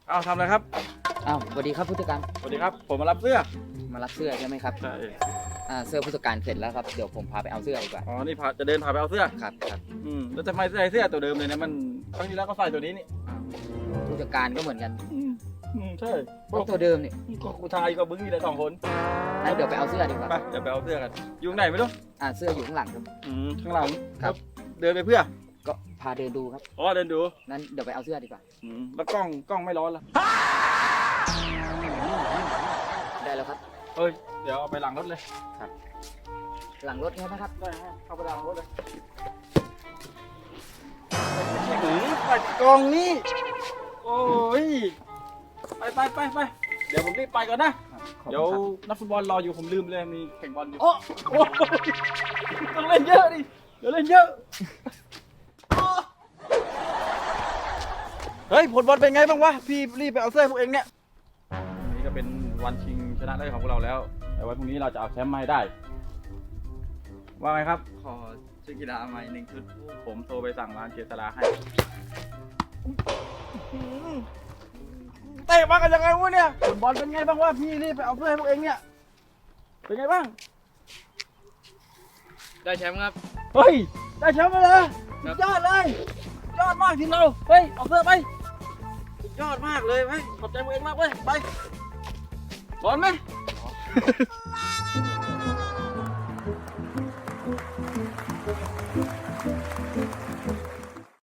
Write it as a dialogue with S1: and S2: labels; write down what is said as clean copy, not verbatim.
S1: เอาทำอะไรครับ
S2: อ้าวสวัสดีครับผู้จัดการ
S1: สวัสดีครับผมมารับเสื้อ
S2: มารับเสื้อใช่ไหมครับ
S1: ใช่
S2: เสื้อผู้จัดการเสร็จแล้วครับเดี๋ยวผมพาไปเอาเสื้อดีกว่า
S1: อ๋อนี่จะเดินพาไปเอาเสื้อ
S2: ครับ
S1: แล้วทำไมใส่เสื้อตัวเดิมเลยเนี่ยมันครั้งที่แล้วก็ใส่ตัวนี้นี่
S2: ผู้จัดการก็เหมือนกัน
S1: ใช่
S2: พวกตัวเดิมนี่
S1: ก็กูชายก็บึ้งนี่แหละ2 คน
S2: งั้นเดี๋ยวไปเอาเสื้อดีกว่า
S1: ไปเดี๋ยวไปเอาเสื้อกันอยู่ไหนไม่รู้
S2: เสื้ออยู่ข้างหลังครับ
S1: ข้างหลัง
S2: ครับ
S1: เดินไปเพื่อ
S2: ก็พาเดินดูครับ
S1: อ๋อเดินดู
S2: นั้นเดี๋ยวไปเอาเสื้อดีกว่า
S1: แล้วกล้องไม่ร้อนละ
S2: ได้แล้วครับ
S1: เฮ้ยเดี๋ยวเอาไปหลังรถเลย
S2: ครับหลังรถใช่ไหมครับ
S1: ได้เข้าไปหลังรถเลยใส่กล่องนี่โอ้ยไปเดี๋ยวผมรีบไปก่อนนะเดี๋ยวนักฟุตบอลรออยู่ผมลืมเลยมีแข่งบอลอยู่โอ้ต้องเล่นเยอะดิเดี๋ยวเล่นเยอะเฮ้ยผลบอลเป็นไงบ้างวะพี่รีบไปเอาเสื้อพวกเองเนี่ยนี่ก็เป็นวันชิงชนะเลิศของพวกเราแล้วแต่วันพรุ่งนี้เราจะเอาแชมป์มาให้ได้ว่าไงครับขอชุดกีฬาใหม่1 ชุดผมโทรไปสั่งร้านเจษฎาให้เตะมากันยังไงวะเนี่ยผลบอลเป็นไงบ้างวะพี่รีบไปเอาเสื้อให้พวกเองเนี่ยเป็นไงบ้าง
S3: ได้แชมป์ครับ
S1: เฮ้ยได้แชมป์มาเลยยอดเลยยอดมากทีมเราเฮ้ยเอาเสื้อไปยอดมากเลยเฮ้ยขอบใจพวกเองมากเว้ยไปบอลไหม